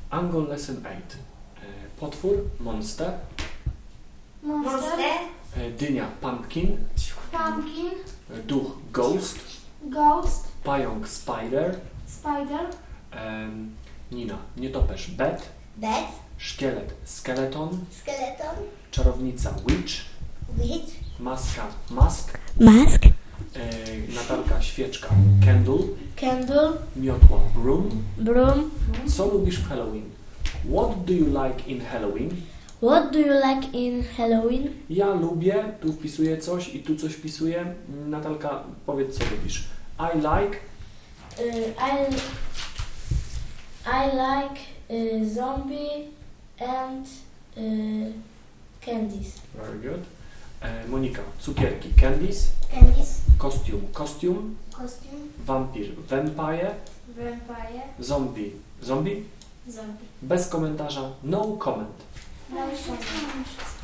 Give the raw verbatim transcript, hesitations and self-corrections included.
Angle Lesson eight. E, potwór, monster. Monster. E, dynia, pumpkin. Pumpkin. E, duch, ghost. Ghost. Pająk, spider. Spider. E, Nina, nietoperz, bat. Bat. Szkielet, skeleton. Skeleton. Czarownica, witch. Witch. Maska, mask. Mask. E, Natalka, świeczka, candle. Candle. Miotła, broom. Broom. Co lubisz w Halloween? What do you like in Halloween? What do you like in Halloween? Ja lubię, tu wpisuję coś i tu coś wpisuję. Natalka, powiedz co lubisz. I like, Uh, I I like uh, zombie and uh, candies. very good. E, Monika, cukierki, candies. Candies. Kostium, kostium. Costume. Wampir, vampire. Vampire. Zombie, zombie. Zombie. Bez komentarza, no comment. No comment.